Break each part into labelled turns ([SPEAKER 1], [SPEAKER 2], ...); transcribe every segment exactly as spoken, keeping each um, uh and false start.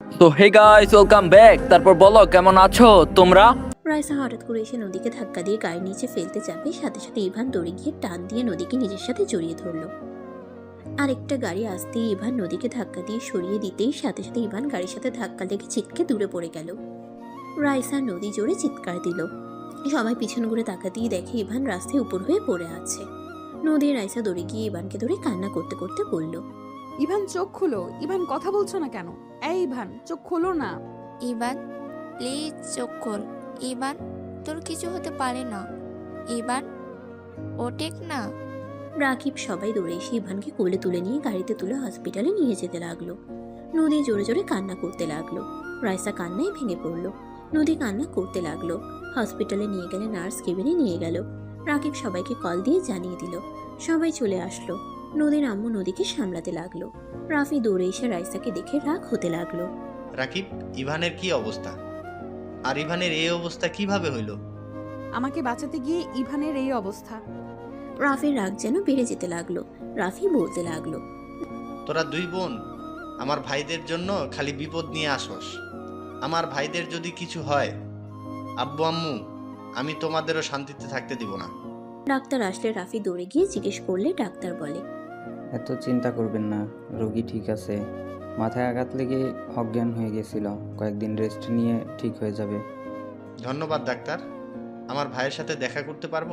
[SPEAKER 1] তো hey guys, welcome back. তারপর বলো কেমন আছো তোমরা?
[SPEAKER 2] রাইসা হঠাৎ করে এসে নদীকে ধাক্কা দিয়ে গাড়ির নিচে ফেলতে যাবে, সাথে সাথে ইভান দৌড়ে গিয়ে টান দিয়ে নদীকে নিজের সাথে জড়িয়ে ধরলো। আরেকটা গাড়ি আসতেই ইভান নদীকে ধাক্কা দিয়ে সরিয়ে দিতেই সাথে সাথে ইভান গাড়ির সাথে ধাক্কা লেগে ছিটকে দূরে পড়ে গেল। রাইসা নদী জোরে চিৎকার দিল। সবাই পিছন ঘুরে তাকাতেই দেখে ইভান রাস্তায় উপর হয়ে পড়ে আছে। নদী রাইসা দৌড়ে গিয়ে ইভানকে ধরে কান্না করতে করতে বলল,
[SPEAKER 3] ইভান চোখ খোলো। ইভান কথা বলছো না কেন? এই ইভান চোখ খোলো না।
[SPEAKER 4] ইভান প্লিজ চোখ খোল। ইভান তোর কিছু হতে পারে না। ইভান ওঠেক না।
[SPEAKER 2] রাকিব সবাই দৌড়ে এসে ইভানকে কোলে তুলে নিয়ে গাড়িতে তুলে হসপিটালে নিয়ে যেতে লাগলো। নদী জোরে জোরে কান্না করতে লাগলো। রাইসা কান্নায় ভেঙে পড়লো। নদী কান্না করতে লাগলো। হসপিটালে নিয়ে গেলে নার্স কেবিনে নিয়ে গেল। রাকিব সবাইকে কল দিয়ে জানিয়ে দিল। সবাই চলে আসলো। নদীর আম্মু নদীকে সামলাতে লাগলো। রাফি দৌড়ে এসে রাইসাকে দেখে রাগ হতে লাগলো।
[SPEAKER 5] রাকিব, ইভানের কি অবস্থা? আর ইভানের এই অবস্থা কিভাবে হইল?
[SPEAKER 3] আমাকে বাঁচাতে গিয়ে ইভানের এই অবস্থা।
[SPEAKER 2] রাফির রাগ যেন বেড়ে যেতে লাগলো। রাফি বলতে লাগলো,
[SPEAKER 5] তোরা দুই বোন আমার ভাইদের জন্য খালি বিপদ নিয়ে আসস। আমার ভাইদের যদি কিছু হয়, আব্বু আম্মু, আমি তোমাদেরও শান্তিতে থাকতে দিব না।
[SPEAKER 2] ডাক্তার আসলে রাফি দৌড়ে গিয়ে জিজ্ঞেস করলে ডাক্তার বলে,
[SPEAKER 6] এত চিন্তা করবেন না, রোগী ঠিক আছে। মাথায় আঘাত লেগে অজ্ঞান হয়ে গেছিল, কয়েকদিন রেস্ট নিয়ে ঠিক হয়ে যাবে।
[SPEAKER 5] ধন্যবাদ ডাক্তার। আমার ভাইয়ের সাথে দেখা করতে পারবো?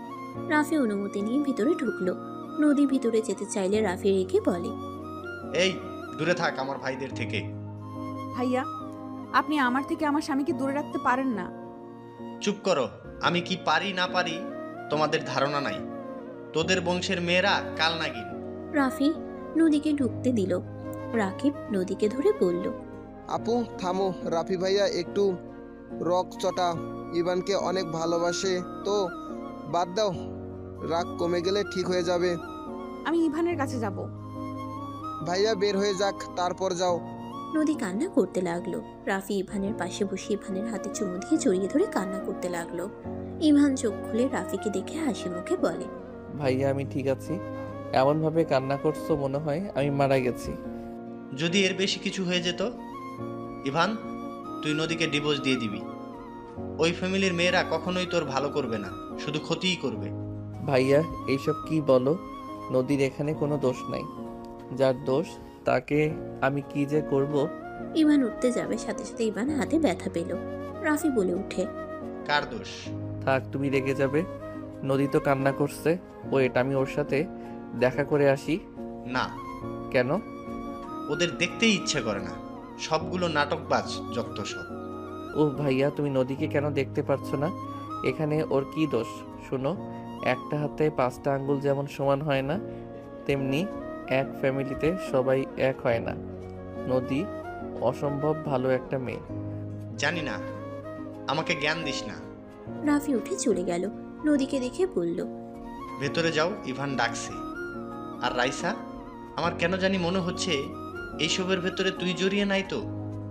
[SPEAKER 2] রাফি অনুমতি নিয়ে ভিতরে ঢুকলো। নদী ভিতরে যেতে চাইলে রাফি রেখে বলে,
[SPEAKER 5] এই, দূরে থাক আমার ভাইদের থেকে।
[SPEAKER 3] ভাইয়া, আপনি আমার থেকে আমার স্বামীকে দূরে রাখতে পারেন না।
[SPEAKER 5] চুপ করো। আমি কি পারি না পারি তোমাদের ধারণা নাই। তোদের বংশের মেয়েরা কাল নাগিন।
[SPEAKER 2] রাফি নদীকে ঢুকতে দিল। রাকিব নদীকে ধরে বলল,
[SPEAKER 7] আপু থামো, রাফি ভাইয়া একটু রক চটা, ইভানকে অনেক ভালোবাসে তো, বাদ দাও, রাগ কমে গেলে ঠিক হয়ে যাবে।
[SPEAKER 3] আমি ইভানের কাছে যাব।
[SPEAKER 7] ভাইয়া বের হয়ে যাক, তারপর যাও।
[SPEAKER 2] নদী কান্না করতে লাগলো। রাফি ইভানের পাশে বসে ইভানের হাতে চুমু দিয়ে জড়িয়ে ধরে কান্না করতে লাগলো। ইভান চোখ খুলে রাফিকে দেখে হাসি মুখে বলে,
[SPEAKER 8] ভাইয়া আমি ঠিক আছি। এমনভাবে কান্না করছো মনে হয় আমি মারা গেছি।
[SPEAKER 5] যদি এর বেশি কিছু হয়ে যেত, ইভান, তুই নদীকে ডিভোর্স দিয়ে দিবি। ওই ফ্যামিলির মেয়েরা কখনোই তোর ভালো করবে না, শুধু ক্ষতিই করবে।
[SPEAKER 8] ভাইয়া এইসব কি বলো? নদীর এখানে কোনো দোষ নাই। যার দোষ তাকে আমি কি যে করব।
[SPEAKER 2] ইভান উঠতে যাবে, সাথে সাথে ইভান হাতে ব্যথা পেল। রাফি বলে উঠে,
[SPEAKER 5] কার দোষ?
[SPEAKER 8] থাক, তুমি রেগে যাবে। নদী তো কান্না করছে। ওয়েট, আমি ওর সাথে দেখা করে আসি।
[SPEAKER 5] না,
[SPEAKER 8] কেন?
[SPEAKER 5] ওদের দেখতেই ইচ্ছে করে না। সবগুলো নাটকবাজ যত সব।
[SPEAKER 8] ও ভাইয়া, তুমি নদীকে কেন দেখতে পারছো না? এখানে ওর কি দোষ? শোনো, একটা হাতে পাঁচটা আঙ্গুল যেমন সমান হয় না, তেমনি এক ফ্যামিলিতে সবাই এক হয় না। নদী অসম্ভব ভালো একটা মেয়ে।
[SPEAKER 5] জানি না, আমাকে জ্ঞান দিস না।
[SPEAKER 2] রাফি উঠে চলে গেল। নদীকে দেখে বলল,
[SPEAKER 5] ভেতরে যাও, ইভান ডাকছে। আর রাইসা, আমার কেন জানি মনে হচ্ছে এইসবের ভেতরে তুই জড়িয়ে নাই তো।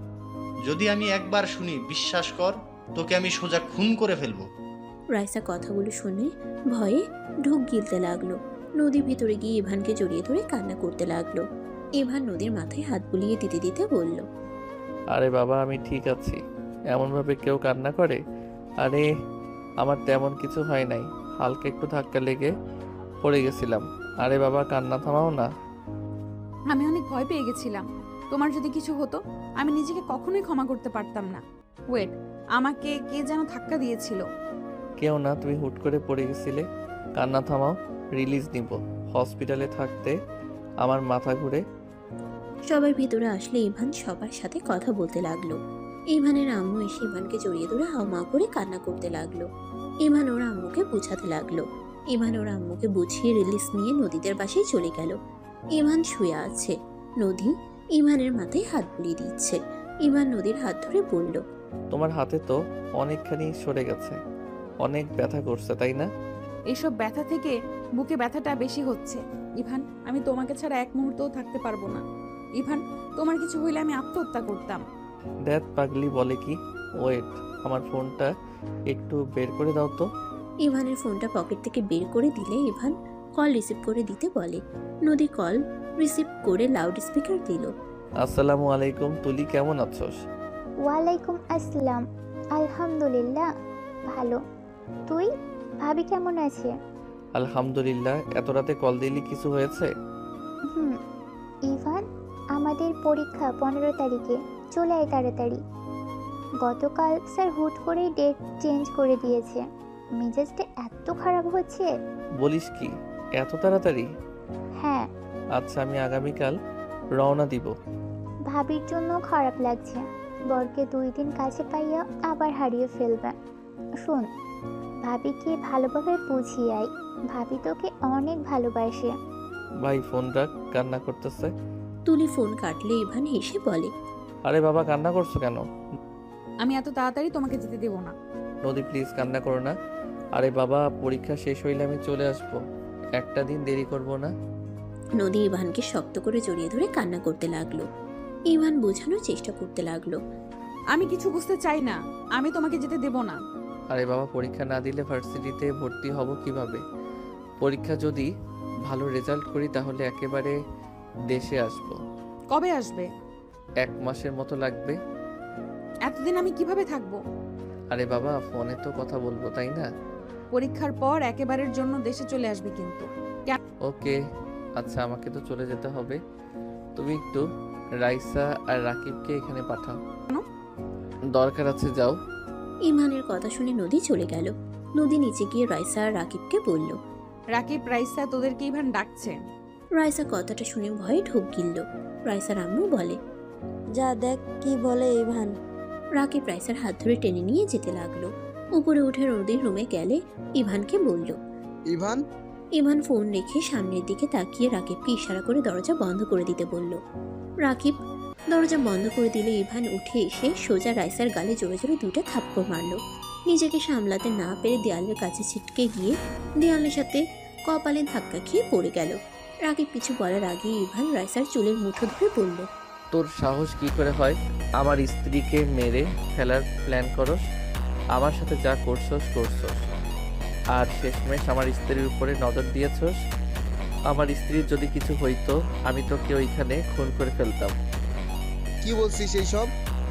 [SPEAKER 5] যদি আমি একবার শুনি, বিশ্বাস কর, তোকে আমি সোজা খুন করে ফেলবো।
[SPEAKER 2] রাইসা কথাগুলো শুনে ভয়ে ঢোক গিলতে লাগলো। নদী ভিতরে গিয়ে ইভানকে জড়িয়ে ধরে কান্না করতে লাগলো। ইভান নদীর মাথায় হাত বুলিয়ে দিতে দিতে বলল,
[SPEAKER 8] আরে বাবা, আমি ঠিক আছি। এমনভাবে কেউ কান্না করে? আরে আমার তেমন কিছু হয় নাই, হালকা একটু ধাক্কা লেগে পড়ে গেছিলাম। আরে বাবা, কান্না থামাও না।
[SPEAKER 3] আমি অনেক ভয় পেয়ে গেছিলাম। তোমার যদি কিছু হতো, আমি নিজেকে কখনোই ক্ষমা করতে পারতাম না। ওয়েট, আমাকে কে যেন ধাক্কা দিয়েছিল।
[SPEAKER 8] কেউ না, তুমি হুট করে পড়ে গেছিলে। কান্না থামাও, রিলিজ নিব। হসপিটালে থাকতে আমার মাথা ঘুরে।
[SPEAKER 2] সবাই ভিতরে আসলে ইভান সবার সাথে কথা বলতে লাগলো। ইভানের আম্মু এসে ইভানকে জড়িয়ে ধরে হাউমাউ করে কান্না করতে লাগলো। ইভান ওর আম্মুকে বুঝাতে লাগলো। ইভান ওর আম্মুকে বুঝিয়ে রিলিজ নিয়ে নদীদের বাসায় চলে গেল। ইভান শুয়ে আছে। নদী ইভানের মাথায় হাত বুলিয়ে দিচ্ছে। ইভান নদীর হাত ধরে বলল,
[SPEAKER 8] তোমার হাতে তো অনেকখানি সরে গেছে, অনেক ব্যথা করছে তাই না?
[SPEAKER 3] এইসব ব্যথা থেকে বুকে ব্যথাটা বেশি হচ্ছে। ইভান, আমি তোমাকে ছাড়া এক মুহূর্তও থাকতে পারবো না। ইভান, তোমার কিছু হইলে আমি আত্মহত্যা করতাম।
[SPEAKER 8] দ্যাট পাগলি বলে কি? ওয়েট, আমার ফোনটা একটু বের করে দাও তো।
[SPEAKER 2] ইভানের ফোনটা পকেট থেকে বের করে দিলে ইভান কল রিসিভ করে দিতে বলে। নদী কল রিসিভ করে লাউড স্পিকার দিল।
[SPEAKER 8] আসসালামু আলাইকুম, তুলি কেমন আছোস?
[SPEAKER 9] ওয়ালাইকুম আসসালাম। আলহামদুলিল্লাহ ভালো। তুই? ভাবি কেমন আছে?
[SPEAKER 8] আলহামদুলিল্লাহ। এত রাতে কল দিলি, কিছু হয়েছে?
[SPEAKER 9] হুম। ইভান, আমাদের পরীক্ষা পনেরো তারিখে, চলে আয় তাড়াতাড়ি। গতকাল স্যার হুট করেই ডেট চেঞ্জ করে দিয়েছে। মেজাজটা এত খারাপ হচ্ছে।
[SPEAKER 8] বলিস কি, এত তাড়াতাড়ি?
[SPEAKER 9] হ্যাঁ,
[SPEAKER 8] আচ্ছা, আমি আগামীকাল রওনা দিব।
[SPEAKER 9] ভাবির জন্য খারাপ লাগছে। বরকে দুই দিন কাছে পাইয়া আবার হারিয়ে ফেলবে। শোন, ভাবিকে ভালোভাবে বুঝিয়ে আয়। ভাবি তোকে অনেক ভালোবাসে।
[SPEAKER 8] ভাই ফোন রাখ, কান্না করতেছে।
[SPEAKER 2] তুলি ফোন কাটলে ইভান হেসে বলে,
[SPEAKER 8] আরে বাবা, কান্না করছো কেন?
[SPEAKER 3] আমি এত তাড়াতাড়ি তোমাকে যেতে দেবো না।
[SPEAKER 8] নদী প্লিজ কান্না করো না। আরে বাবা, পরীক্ষা শেষ হইলে আমি চলে আসবো, একটা দিন দেরি করব না।
[SPEAKER 2] নদী ইভানকে শক্ত করে জড়িয়ে ধরে কান্না করতে লাগলো। ইভান বোঝানোর চেষ্টা করতে লাগলো।
[SPEAKER 3] আমি কিছু বুঝতে চাই না, আমি তোমাকে যেতে দেবো না।
[SPEAKER 8] আরে বাবা, পরীক্ষা না দিলে ভার্সিটিতে ভর্তি হব কিভাবে? পরীক্ষা যদি ভালো রেজাল্ট করি তাহলে একেবারে দেশে আসব।
[SPEAKER 3] কবে আসবে?
[SPEAKER 8] এক মাসের মতো লাগবে।
[SPEAKER 3] এতদিন আমি কিভাবে থাকবো?
[SPEAKER 8] আরে বাবা, ফোনে তো কথা বলবো, তাই না?
[SPEAKER 3] পরীক্ষার পর একেবারের জন্য দেশে চলে আসবে কিন্তু।
[SPEAKER 8] ওকে, আচ্ছা, আমাকে তো চলে যেতে হবে। তুমি একটু রাইসা আর রাকিবকে এখানে পাঠাও।
[SPEAKER 3] কেন?
[SPEAKER 8] দরকার আছে, যাও।
[SPEAKER 2] ইভানের কথা শুনে নদী চলে গেল। নদী নিচে গিয়ে রাইসা আর রাকিবকে বলল।
[SPEAKER 3] রাকিব, রাইসা তোদেরকে ইভান ডাকছে।
[SPEAKER 2] রাইসা কথাটা শুনে ভয়ে ঢোক গিলল। রাইসার আম্মু বলে,
[SPEAKER 10] যা দেখ কি বলে ইভান।
[SPEAKER 2] রাকিব রাইসার হাত ধরে টেনে নিয়ে যেতে লাগলো। উপরে উঠে নদীর রুমে গেলে ইভানকে বলল।
[SPEAKER 7] ইভান,
[SPEAKER 2] ইভান ফোন রেখে সামনের দিকে তাকিয়ে রাকিবকে ইশারা করে দরজা বন্ধ করে দিতে বলল। রাকিব দরজা বন্ধ করে দিলে ইভান উঠে এসে সোজা রাইসার গালে জোরে জোরে দুইটা থাপ্পড় মারল। নিজেকে সামলাতে না পেরে দেয়ালের কাছে ছিটকে গিয়ে দেয়ালের সাথে কপালে ধাক্কা খেয়ে পড়ে গেল। রাকিব কিছু বলার আগে ইভান রাইসার চুলের মুঠো ধরে বলল,
[SPEAKER 8] তোর সাহস কি করে হয় আমার স্ত্রীকে মেরে ফেলার প্ল্যান করস? আমার সাথে যা করছস করছস, আর শেষমেশ আমার স্ত্রীর উপরে নজর দিয়েছস। আমার স্ত্রীর যদি কিছু হইতো আমি তোকে ওইখানে খুন করে ফেলতাম।
[SPEAKER 7] কি বলছিস এইসব?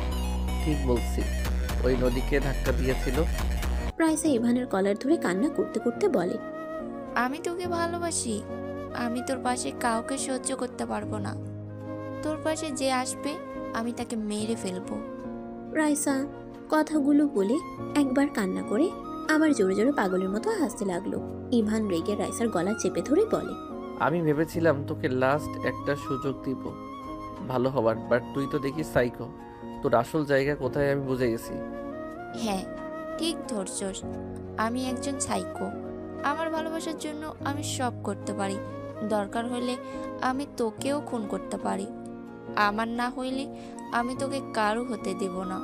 [SPEAKER 8] ঠিক বলছি, ওই নদীকে ধাক্কা দিয়েছিল।
[SPEAKER 2] রাইসা ইভানের কলার ধরে কান্না করতে করতে বলে,
[SPEAKER 4] আমি তোকে ভালোবাসি। আমি তোর পাশে কাউকে সহ্য করতে পারবো না। তোর পাশে যে আসবে আমি তাকে মেরে ফেলবো।
[SPEAKER 2] রাইসা কথাগুলো বলে একবার কান্না করে আবার জোরে জোরে পাগলের মতো হাসতে লাগলো। ইভান রেগে রাইসার গলা চেপে ধরে বলে,
[SPEAKER 8] আমি ভেবেছিলাম তোকে লাস্ট একটা সুযোগ দিব ভালো হবার, বাট তুই তো দেখি সাইকো। তোর আসল জায়গা কোথায় আমি বুঝে গেছি।
[SPEAKER 4] হ্যাঁ, ঠিক ধরছস। আমি একজন সাইকো। আমার ভালোবাসার জন্য আমি সব করতে পারি। দরকার হলে আমি তোকেও খুন করতে পারি। আমার না হইলে আমি তোকে কারো হতে দেব না।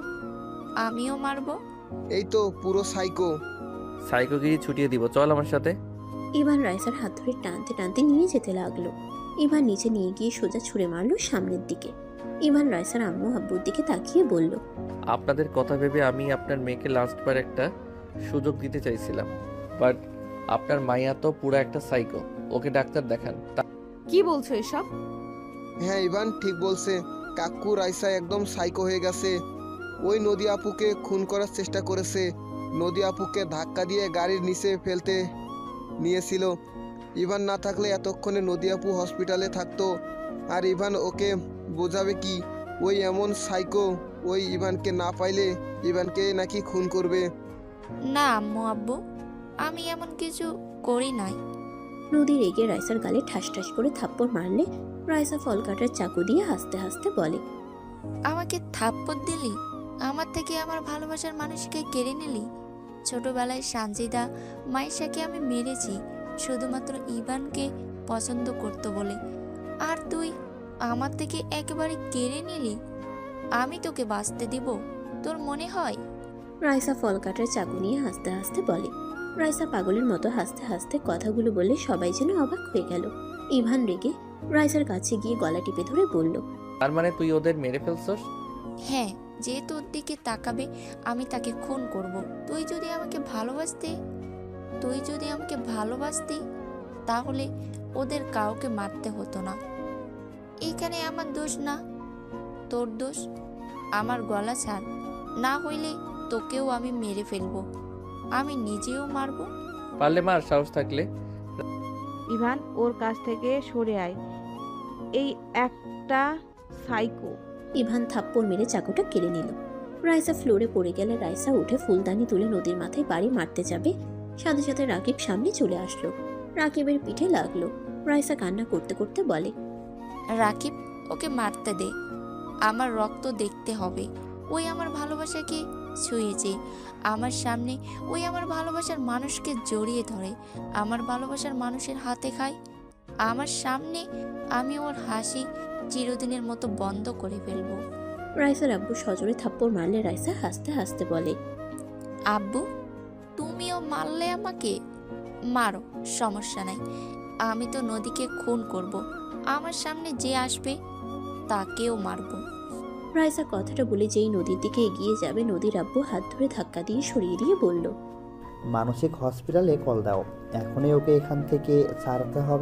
[SPEAKER 4] আমিও মারবো।
[SPEAKER 7] এই তো পুরো সাইকো।
[SPEAKER 8] সাইকোগিরি ছুটিয়ে দিব, চল আমার সাথে।
[SPEAKER 2] ইভান রাইসার হাত ধরে টানতে টানতে নিয়ে যেতে লাগলো। ইভান নিচে নিয়ে গিয়ে সোজা ছুঁড়ে মারলো সামনের দিকে। ইভান রাইসার আম্মু আব্বুর দিকে তাকিয়ে বলল,
[SPEAKER 8] আপনাদের কথা ভেবে আমি আপনার মেয়েকে লাস্টবার একটা সুযোগ দিতে চাইছিলাম, বাট আপনার মাইয়া তো পুরো একটা সাইকো। ওকে ডাক্তার দেখান। তা-
[SPEAKER 3] কি বলছো এসব?
[SPEAKER 7] হ্যাঁ ইভান ঠিক বলছে। কাকু রাইসা একদম সাইকো হয়ে গেছে। ওই নদী আপুকে খুন করার চেষ্টা করেছে। নদী আপুকে ধাক্কা দিয়ে গাড়ির নিচে ফেলতে নিয়েছিল। ইভান না থাকলে এতক্ষণে নদী আপু হসপিটালে থাকতো। আর ইভান ওকে বোঝাবে কি? ওই এমন সাইকো, ওই ইভানকে না পাইলে ইভানকে নাকি খুন করবে।
[SPEAKER 4] না আম্মু আব্বু, আমি এমন কিছু করি নাই।
[SPEAKER 2] নদী রেগে রাইসার গালে ঠাস ঠাস করে থাপ্পড় মারলে রাইসা ফল কাটার চাকু দিয়ে হাসতে হাসতে বলে,
[SPEAKER 4] আমাকে থাপ্পড় দিলি? আমার থেকে আমার ভালোবাসার মানুষকে কেড়ে নিলি? ছোটবেলায় সানজিদা মাইশাকে আমি মেরেছি শুধুমাত্র ইভানকে পছন্দ করতো বলে, আর তুই আমার থেকে একেবারে কেড়ে নিলি। আমি তোকে বাঁচতে দিব তোর মনে হয়?
[SPEAKER 2] রাইসা ফল কাটার চাকু নিয়ে হাসতে হাসতে বলে। রাইসা পাগলের মতো হাসতে হাসতে কথাগুলো বলে সবাই যেন অবাক হয়ে গেল। ইভান রেগে রাইসার কাছে গিয়ে গলা টিপে ধরে বলল,
[SPEAKER 8] তার মানে তুই ওদের মেরে ফেলছস?
[SPEAKER 4] হ্যাঁ, যে তোর দিকে তাকাবে আমি তাকে খুন করব। তুই যদি আমাকে ভালোবাসতে তুই যদি আমাকে ভালোবাসতি তাহলে ওদের কাউকে মারতে হতো না। এখানে আমার দোষ না। তোর দোষ। আমার গলা ছাড়, না হইলে তোকেও আমি মেরে ফেলবো, আমি নিজেও মারবো।
[SPEAKER 8] পারলে মার, সাহস থাকলে।
[SPEAKER 3] ইভান, ওর কাছ থেকে সরে আয়, এই একটা সাইকো।
[SPEAKER 2] ইভান থাপ্পড় মেরে চাকুটা কেড়ে নিল। রাইসা ফ্লোরে পড়ে গেলে রাইসা উঠে ফুলদানি তুলে নদীর মাথায় বাড়ি মারতে যাবে, সাথে সাথে রাকিব সামনে চলে আসলো। রাকিবের পিঠে লাগলো। রাইসা কান্না করতে করতে বলে,
[SPEAKER 4] রাকিব, ওকে মারতে দে, আমার রক্ত দেখতে হবে। ওই আমার ভালোবাসাকে ছুঁয়েছে আমার সামনে, ওই আমার ভালোবাসার মানুষকে জড়িয়ে ধরে, আমার ভালোবাসার মানুষের হাতে খায় আমার সামনে। আমি ওর হাসি চিরদিনের মতো বন্ধ করে ফেলবো।
[SPEAKER 2] রাইসার আব্বু সজোরে থাপ্পড় মারলে রাইসা হাসতে হাসতে বলে,
[SPEAKER 4] আব্বু, তুমিও মারলে আমাকে? মারো, সমস্যা নাই। আমি তো নদীকে খুন করব, আমার সামনে যে আসবে তাকেও মারবো।
[SPEAKER 2] রাইসা কথাটা বলে যেই নদীর দিকে এগিয়ে যাবে, নদীর আব্বু হাত ধরে ধাক্কা দিয়ে সরিয়ে দিয়ে বলল,
[SPEAKER 11] মানসিক হসপিটালে কল দাও, এখনই ওকে এখান থেকে ছাড়তে হবে।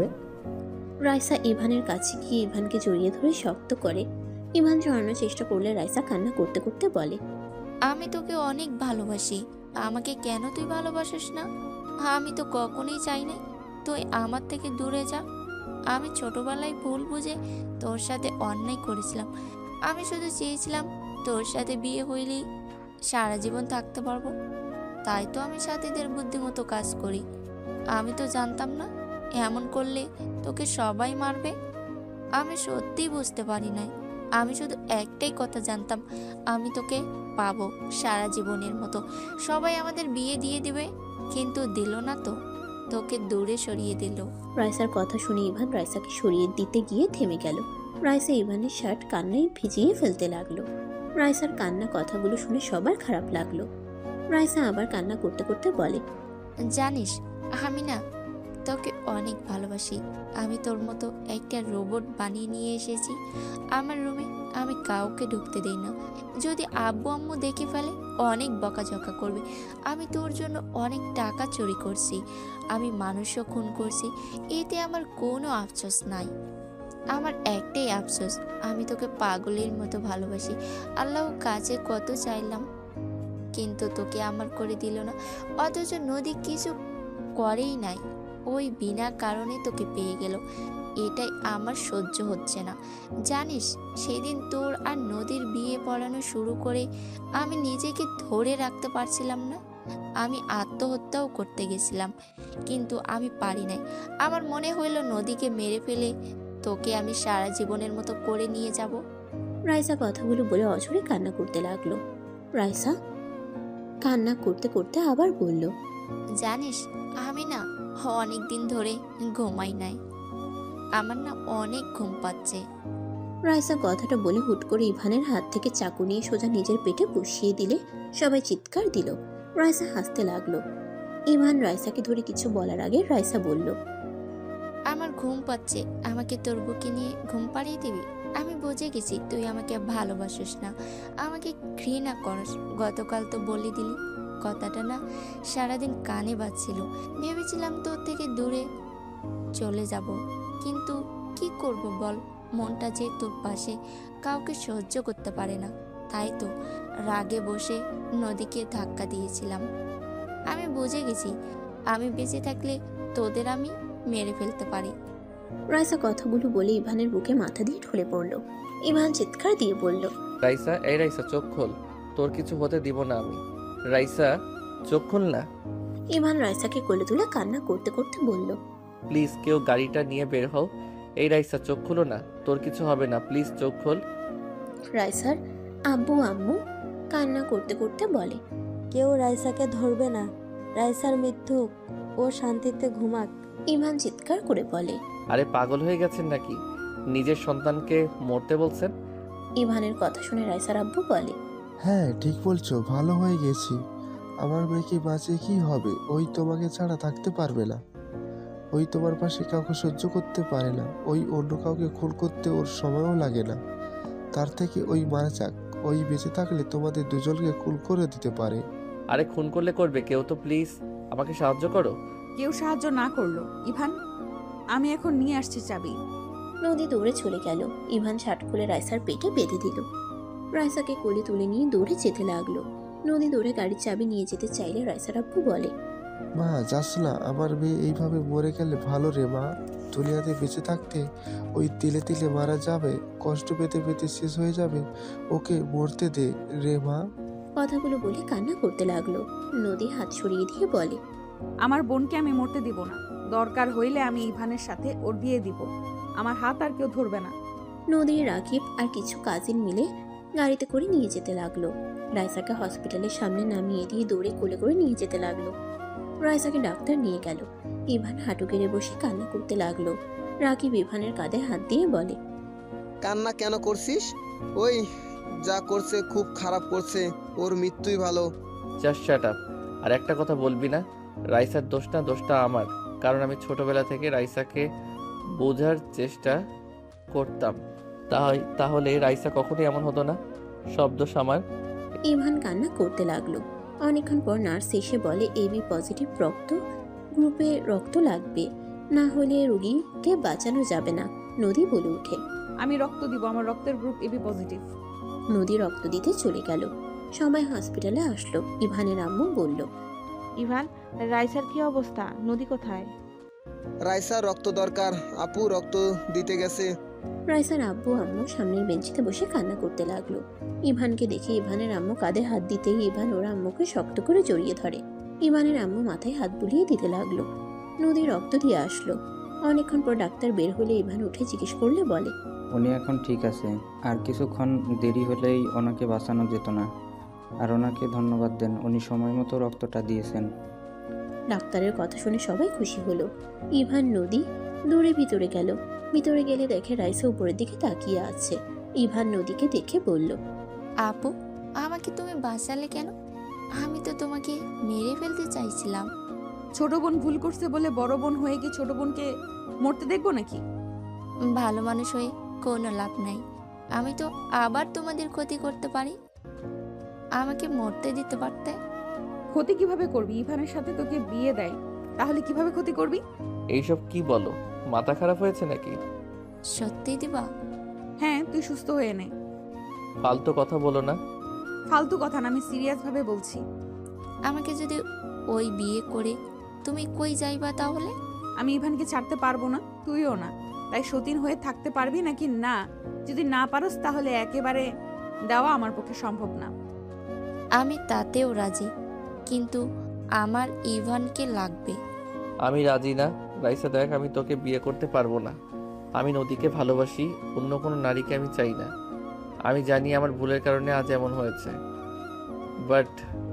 [SPEAKER 2] রাইসা ইভানের কাছে গিয়ে ইভানকে জড়িয়ে ধরে শক্ত করে। ইভান জড়ানোর চেষ্টা করলে রাইসা কান্না করতে করতে বলে,
[SPEAKER 4] আমি তোকে অনেক ভালোবাসি, আমাকে কেন তুই ভালোবাসিস না? আমি তো কখনোই চাই না তুই আমার থেকে দূরে যা। আমি ছোটবেলায় ভুল বুঝে তোর সাথে অন্যায় করেছিলাম। আমি শুধু চেয়েছিলাম তোর সাথে বিয়ে হইলেই সারা জীবন থাকতে পারবো, তাই তো আমি সাথীদের বুদ্ধিমতো কাজ করি। আমি তো জানতাম না এমন করলে তোকে সবাই মারবে। আমি সত্যিই বুঝতে পারি নাই। আমি শুধু একটাই কথা জানতাম, আমি তোকে পাবো সারা জীবনের মতো। সবাই আমাদের বিয়ে দিয়ে দিবে, কিন্তু দিল না তো, তোকে দূরে সরিয়ে দিল।
[SPEAKER 2] রাইসার কথা শুনে ইভান রাইসাকে সরিয়ে দিতে গিয়ে থেমে গেল। রাইসা ইভানের শার্ট কান্নায় ভিজিয়ে ফেলতে লাগলো। রাইসার কান্না কথাগুলো শুনে সবার খারাপ লাগলো। রাইসা আবার কান্না করতে করতে বলে,
[SPEAKER 4] জানিস, আমি না তোকে অনেক ভালোবাসি। আমি তোর মতো একটা রোবট বানিয়ে নিয়ে এসেছি আমার রুমে। আমি কাউকে ঢুকতে দেই না। যদি আব্বু আম্মু দেখে ফেলে অনেক বকাঝকা করবে। আমি তোর জন্য অনেক টাকা চুরি করছি, আমি মানুষও খুন করছি, এতে আমার কোনো আফসোস নাই। আমার একটাই আফসোস, আমি তোকে পাগলের মতো ভালোবাসি। আল্লাহ কাছে কত চাইলাম, কিন্তু তোকে আমার করে দিল না। অথচ নদী কিছু করেই নাই, ওই বিনা কারণে তোকে পেয়ে গেল। এটাই আমার সহ্য হচ্ছে না। জানিস, সেদিন তোর আর নদীর বিয়ে পড়ানো শুরু করে আমি নিজেকে ধরে রাখতে পারছিলাম না। আমি আত্মহত্যাও করতে গেছিলাম, কিন্তু আমি পারি নাই। আমার মনে হইলো নদীকে মেরে ফেলে তোকে আমি সারা জীবনের মতো করে নিয়ে যাব।
[SPEAKER 2] রাইসা কথাগুলো বলে অঝরে কান্না করতে লাগলো। রাইসা কান্না করতে করতে আবার বলল,
[SPEAKER 4] জানিস, আমি না অনেক দিন ধরে ঘুমাই নাই, আমার না অনেক ঘুম পাচ্ছে।
[SPEAKER 2] রাইসা কথাটা বলে হুট করে ইভানের হাত থেকে চাকু নিয়ে সোজা নিজের পেটে বসিয়ে দিলে সবাই চিৎকার দিল। রাইসা হাসতে লাগলো। ইভান রাইসাকে ধরে কিছু বলার আগে রাইসা বলল,
[SPEAKER 4] আমার ঘুম পাচ্ছে, আমাকে তোর বুকে নিয়ে ঘুম পাড়িয়ে দিবি? আমি বুঝে গেছি তুই আমাকে ভালোবাসিস না, আমাকে ঘৃণা করস। গতকাল তো বলে দিলি, কথাটা না সারাদিন কানে বাজছিল। ভেবেছিলাম তোর থেকে দূরে চলে যাব, কিন্তু কি করব বল, মনটা যে তোর পাশে কাউকে সহ্য করতে পারে না। তাই তো রাগে বসে নদীকে ধাক্কা দিয়েছিলাম। আমি বুঝে গেছি আমি বেঁচে থাকলে তোদের আমি মেরে ফেলতে পারি।
[SPEAKER 2] রাইসা কথাগুলো বলে ইভানের বুকে মাথা দিয়ে ঢলে পড়ল। ইভান চিৎকার দিয়ে বলল,
[SPEAKER 8] রাইসা, এই রাইসা, চোখ খোল, তোর কিছু হতে দিব না আমি। রাইসা, চোখ খোল না।
[SPEAKER 2] ইভান রাইসাকে কোলে তুলে কান্না করতে করতে বলল,
[SPEAKER 8] প্লিজ কেউ গাড়িটা নিয়ে বের হও। এই রাইসা, চোখ খুলো না, তোর কিছু হবে না, প্লিজ চোখ খোল।
[SPEAKER 2] রাইসার আব্বু আম্মু কান্না করতে করতে বলে,
[SPEAKER 10] কেউ রাইসাকে ধরবে না, রাইসার মৃত্যু, ও শান্তিতে ঘুমাক।
[SPEAKER 2] ইভান চিৎকার করে বলে,
[SPEAKER 8] আরে পাগল হয়ে গেছেন নাকি? নিজের সন্তানকে মরতে বলছেন?
[SPEAKER 2] ইভানের কথা শুনে রাইসার আব্বু বলে,
[SPEAKER 12] হ্যাঁ ঠিক বলছো, ভালো হয়ে গেছি। আমার মেয়েকে বাঁচিয়ে কি হবে? ওই তোমাকে ছাড়া থাকতে পারবে না, ওই তোমার পাশে কাউকে সহ্য করতে পারে না, ওই অন্য কাউকে খুন করতে ওর সময়ও লাগে না। তার থেকে ওই মারা যাক, ওই বেঁচে থাকলে তোমাদের দুজনকে খুন করে দিতে পারে।
[SPEAKER 8] আরে খুন করলে করবে, কেউ তো প্লিজ আমাকে সাহায্য করো।
[SPEAKER 3] কেউ সাহায্য না করলো। ইভান, আমি এখন নিয়ে আসছি চাবি।
[SPEAKER 2] নদী দৌড়ে চলে গেল। ইভান শার্ট খুলে রাইসার পেটে বেঁধে দিল। রাইসাকে কোলে তুলে নিয়ে দৌড়ে যেতে লাগলো। নদী দৌড়ে গাড়ির চাবি নিয়ে যেতে চাইলে রাইসার আব্বু বলে,
[SPEAKER 12] মা যাস না, আমার মেয়ে এইভাবে মরে গেলে ভালো রে মা। দুনিয়াতে বেঁচে থাকতে ওই তিলে তিলে মারা যাবে, কষ্ট পেতে পেতে শেষ হয়ে যাবে, ওকে মরতে দে রে মা।
[SPEAKER 2] কথাগুলো বলে কান্না করতে লাগলো। নদী হাত সরিয়ে দিয়ে বলে,
[SPEAKER 3] আমার বোনকে আমি মরতে দিব না। দরকার হইলে আমি ইভানের সাথে ওর বিয়ে দিব। আমার হাত আর কেউ ধরবে না।
[SPEAKER 2] নদী, রাকিব আর কিছু কাজিন মিলে গাড়িতে করে নিয়ে যেতে লাগলো। রাইসাকে হসপিটালের সামনে নামিয়ে দিয়ে দৌড়ে কোলে করে নিয়ে যেতে লাগলো। রাইসাকে ডাক্তার নিয়ে গেল। ইভান হাঁটু গেড়ে বসে কান্না করতে লাগলো। রাকিব ইভানের কাঁধে হাত দিয়ে বলে,
[SPEAKER 7] কান্না কেন করছিস? ওই যা করছে খুব খারাপ করছে, ওর মৃত্যুই ভালো।
[SPEAKER 8] Just shut up. আর একটা কথা বলবি না, রাইসার দোষ না, দোষটা আমার। কারণ আমি ছোটবেলা থেকে রাইসাকে বোঝার চেষ্টা করতাম, তাই তাহলে রাইসা কখনোই এমন হতো না। সব দোষ আমার।
[SPEAKER 2] ইভান কান্না করতে লাগলো। অনেকক্ষণ পর নার্স এসে বলে, এবি পজিটিভ রক্ত গ্রুপে রক্ত লাগবে, না হলে রোগীকে বাঁচানো যাবে না। নদী বলে উঠে,
[SPEAKER 3] আমি রক্ত দিব, আমার রক্তের গ্রুপ এবি পজিটিভ।
[SPEAKER 2] নদী রক্ত দিতে চলে গেল। সবাই হসপিটালে আসলো। ইভানের আম্মু বলল,
[SPEAKER 13] ইভান, রাইসার কি অবস্থা? নদী কোথায়?
[SPEAKER 7] রাইসার রক্ত দরকার, আপু রক্ত দিতে গেছে।
[SPEAKER 2] রাইসার আব্বু আম্মু সামনের বেঞ্চিতে বসে কান্না করতে লাগলো। ইভানকে দেখে ইভানের আম্মু কাঁধে হাত দিতেই ইভান ওর আম্মুকে শক্ত করে জড়িয়ে ধরে। ইভানের আম্মু মাথায় হাত বুলিয়ে দিতে লাগলো। নদী রক্ত দিয়ে আসলো। অনেকক্ষণ পর ডাক্তার বের হলে ইভান উঠে জিজ্ঞেস করলে বলে,
[SPEAKER 6] উনি এখন ঠিক আছে, আর কিছুক্ষণ দেরি হলেই ওনাকে বাঁচানো যেত না। আর ওনাকে ধন্যবাদ দেন, উনি সময় মতো রক্তটা দিয়েছেন।
[SPEAKER 2] ডাক্তারের কথা শুনে সবাই খুশি হলো। ইভান নদী দৌড়ে ভিতরে গেল। ভিতরে গেলে দেখে রাইসা উপরের দিকে তাকিয়ে আছে। ইভান নদীকে দেখে বলল,
[SPEAKER 4] আপু, আমাকে তুমি বাঁচালে কেন? আমি তো তোমাকে মেরে ফেলতে চাইছিলাম।
[SPEAKER 3] ছোট বোন ভুল করছে বলে বড় বোন হয়ে কি ছোট বোনকে মরতে দেখবো নাকি?
[SPEAKER 4] ভালো মানুষ হয়ে কোনো লাভ নাই। আমি তো আবার তোমাদের ক্ষতি করতে পারি। আমাকে মরতে দিতে পারতে।
[SPEAKER 3] ক্ষতি কিভাবে করবি? ইভানের সাথে তোকে বিয়ে দেয়, তাহলে কিভাবে ক্ষতি করবি?
[SPEAKER 8] এইসব কি বলো? মাথা খারাপ হয়েছে নাকি?
[SPEAKER 4] সত্যি দিবা?
[SPEAKER 3] হ্যাঁ, তুই সুস্থ হয়ে নে।
[SPEAKER 8] ফালতু কথা বলো না।
[SPEAKER 3] ফালতু কথা না, আমি সিরিয়াস ভাবে বলছি।
[SPEAKER 4] আমাকে যদি ওই বিয়ে করে তুমি কই যাইবা তাহলে?
[SPEAKER 3] আমি ইভানকে ছাড়তে পারবো না, তুইও না। তাই সতীন হয়ে থাকতে পারবি নাকি না? যদি না পারস তাহলে একেবারে দেওয়া আমার পক্ষে সম্ভব না।
[SPEAKER 4] আমি তাতেও রাজি, কিন্তু আমার ইভানকে লাগবে।
[SPEAKER 8] আমি রাজি না। রাইসা দেখ, আমি তোকে বিয়ে করতে পারবো না। আমি নদীকে ভালোবাসি, অন্য কোনো নারীকে আমি চাই না। আমি জানি আমার ভুলের কারণে আজ এমন হয়েছে, বাট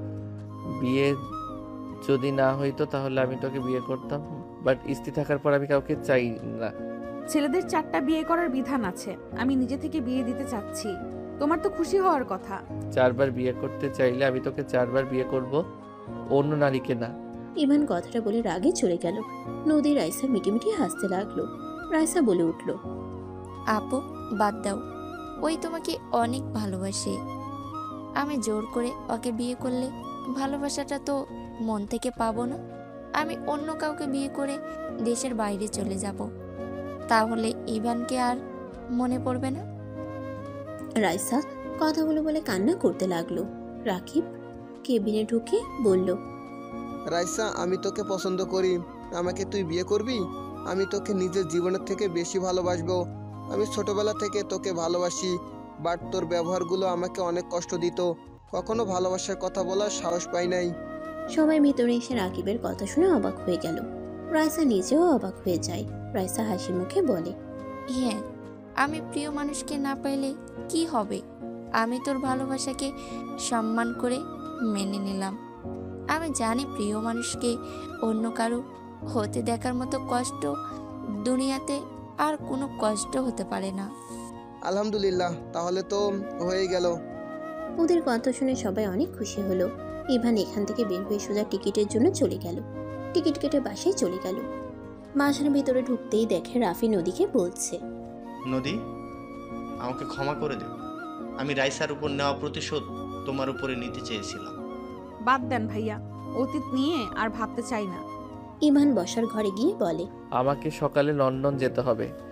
[SPEAKER 8] বিয়ে যদি না হইতো তাহলে আমি তোকে বিয়ে করতাম। বাট স্ত্রী থাকার পর আমি কাউকে চাই না।
[SPEAKER 3] ছেলেদের চারটা বিয়ে করার বিধান আছে, আমি নিজে থেকে বিয়ে দিতে চাচ্ছি। তোমার তো খুশি হওয়ার কথা।
[SPEAKER 8] চারবার বিয়ে করতে চাইলে আমি তোকে চারবার বিয়ে করব, অন্য নারীকে না।
[SPEAKER 2] ইভান কথাটা বলে রাগে চলে গেল। নদী রাইসা মিটিমিটি হাসতে লাগলো। রাইসা বলে উঠল,
[SPEAKER 4] আপু, বাদ দাও। ওই তোমাকে অনেক ভালোবাসে। আমি জোর করে ওকে বিয়ে করলে ভালোবাসাটা তো মন থেকে পাবো না। আমি অন্য কাউকে বিয়ে করে দেশের বাইরে চলে যাব, তাহলে ইভানকে আর মনে পড়বে না।
[SPEAKER 2] রাইসা কথাগুলো বলে কান্না করতে লাগলো। রাকিব কেবিনে ঢুকে বলল,
[SPEAKER 7] রাইসা, আমি তোকে পছন্দ করি, আমাকে তুই বিয়ে করবি? আমি তোকে নিজের জীবনের থেকে বেশি ভালোবাসবো। আমি ছোটবেলা থেকে তোকে ভালোবাসি, বাট তোর ব্যবহারগুলো আমাকে অনেক কষ্ট দিত। কখনো ভালোবাসার কথা বলার সাহস পাই নাই।
[SPEAKER 2] সবাই ভিতরে এসে রাকিবের কথা শুনে অবাক হয়ে গেল। রাইসা নিজেও অবাক হয়ে যায়। রাইসা হাসি মুখে বলে,
[SPEAKER 4] হ্যাঁ, আমি প্রিয় মানুষকে না পাইলে কি হবে? আমি তোর ভালোবাসাকে সম্মান করে মেনে নিলাম। আমি জানি প্রিয় মানুষকে অন্য কারো হতে দেখার মতো কষ্ট দুনিয়াতে আর কোনো কষ্ট হতে পারে না।
[SPEAKER 7] আলহামদুলিল্লাহ, তাহলে তো হয়ে গেল।
[SPEAKER 2] ওদের কথা শুনে সবাই অনেক খুশি হলো। ইভান এখান থেকে বের হয়ে সোজা টিকিটের জন্য চলে গেল। টিকিট কেটে বাসায় চলে গেল। বাসার ভিতরে ঢুকতেই দেখে রাফি নদীকে বলছে,
[SPEAKER 5] নদী, আমাকে ক্ষমা করে দে। আমি রাইসার উপর নেওয়া প্রতিশোধ তোমার উপরে নিতে চেয়েছিলাম।
[SPEAKER 3] বাদ দেন ভাইয়া, অতীত নিয়ে আর ভাবতে চাই না।
[SPEAKER 2] ইভান বসার ঘরে গিয়ে বলে,
[SPEAKER 8] আমাকে সকালে লন্ডন যেতে হবে।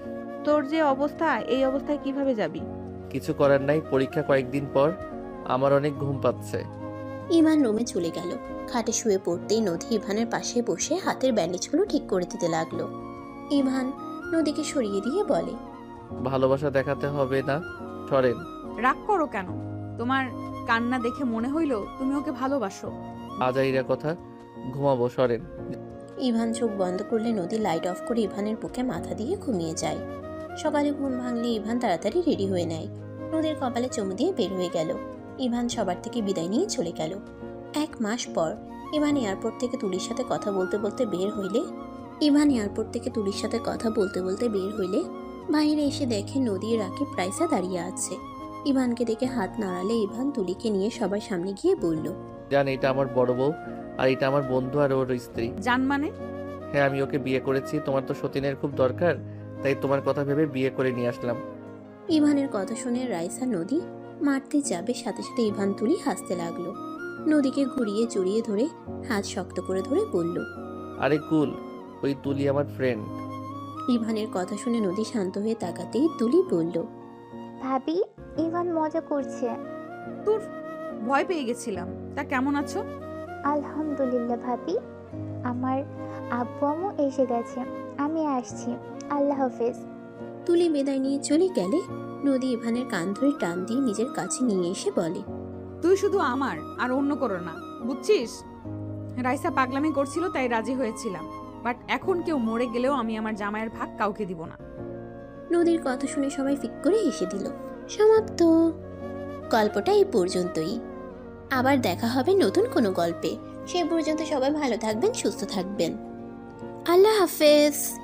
[SPEAKER 13] তোর যে অবস্থা, এই অবস্থায় কিভাবে যাবি?
[SPEAKER 8] কিছু করার নাই, পরীক্ষা কয়েকদিন পর। আমার অনেক ঘুম পাচ্ছে।
[SPEAKER 2] ইভান রুমে চলে গেল। খাটে শুয়ে পড়তেই নদী ইভানের পাশে বসে হাতের ব্যান্ডেজগুলো ঠিক করে দিতে লাগলো। ইভান নদীকে সরিয়ে দিয়ে বলে,
[SPEAKER 8] ভালোবাসা দেখাতে হবে না, সরেন।
[SPEAKER 3] রাগ করো কেন? তোমার কান্না দেখে মনে হইল তুমি ওকে ভালোবাসো।
[SPEAKER 8] আজাইরা কথা, ঘুমাবো, সরেন।
[SPEAKER 2] ইভান চোখ বন্ধ করলে নদী লাইট অফ করে ইভানের বুকে মাথা দিয়ে ঘুমিয়ে যায়। সকালে ঘুম ভাঙলে ইভান তাড়াতাড়ি রেডি হয়ে নেয়। নদীর কপালে চুমু দিয়ে বের হয়ে গেল। ইভান সবার থেকে বিদায় নিয়ে চলে গেল। এক মাস পর ইভান এয়ারপোর্ট থেকে তুলির সাথে কথা বলতে বলতে বের হইলে ইভান এয়ারপোর্ট থেকে তুলির সাথে কথা বলতে বলতে বের হইলে বাইরে এসে দেখে নদী রাকিব রাইসা দাঁড়িয়ে আছে। ইভানকে দেখে হাত নাড়ালে ইভান তুলিকে নিয়ে সবার সামনে গিয়ে বলল,
[SPEAKER 8] জান, এটা আমার বড় বউ, আর এটা আমার বন্ধু আর ওর স্ত্রী।
[SPEAKER 3] জান মানে?
[SPEAKER 8] হ্যাঁ, আমি ওকে বিয়ে করেছি। তোমার তো সতীনের খুব দরকার, তাই তোমার কথা ভেবে বিয়ে করে নিয়ে আসলাম।
[SPEAKER 2] ইভানের কথা শুনে রাইসা নদী মারতে যাবে, সাথে সাথে ইভান তুলি হাসতে লাগলো। নদীকে ঘুরিয়ে জড়িয়ে ধরে হাত শক্ত করে ধরে বলল,
[SPEAKER 8] আরে কুল, ওই তুলি আমার ফ্রেন্ড।
[SPEAKER 2] ইভানের কথা শুনে নদী শান্ত হয়ে তাকাতেই তুলি বলল,
[SPEAKER 9] ভাবি, ইভান মজা করছে।
[SPEAKER 3] তোর ভয় পেয়ে গেছিলাম। তা কেমন আছো?
[SPEAKER 9] আলহামদুলিল্লাহ ভাবি, আমার আব্বু আম্মু এসে গেছে, আমি আসছি, আল্লাহ হাফেজ।
[SPEAKER 2] তুলি বিদায় নিয়ে চলে গেলে নদী ইভানের কান ধরে টান দিয়ে নিজের কাছে নিয়ে এসে বলে,
[SPEAKER 3] তুই শুধু আমার, আর অন্য করো না, বুঝছিস? রাইসা পাগলামি করছিল তাই রাজি হয়েছিলাম, বাট এখন কেউ মরে গেলেও আমি আমার জামাইয়ের ভাগ কাউকে দিব না।
[SPEAKER 2] নদীর কথা শুনে সবাই ফিক করে হেসে দিল। সমাপ্ত। গল্পটা এই পর্যন্তই। আবার দেখা হবে নতুন কোনো গল্পে। সে পর্যন্ত সবাই ভালো থাকবেন, সুস্থ থাকবেন। আল্লাহ হাফেজ।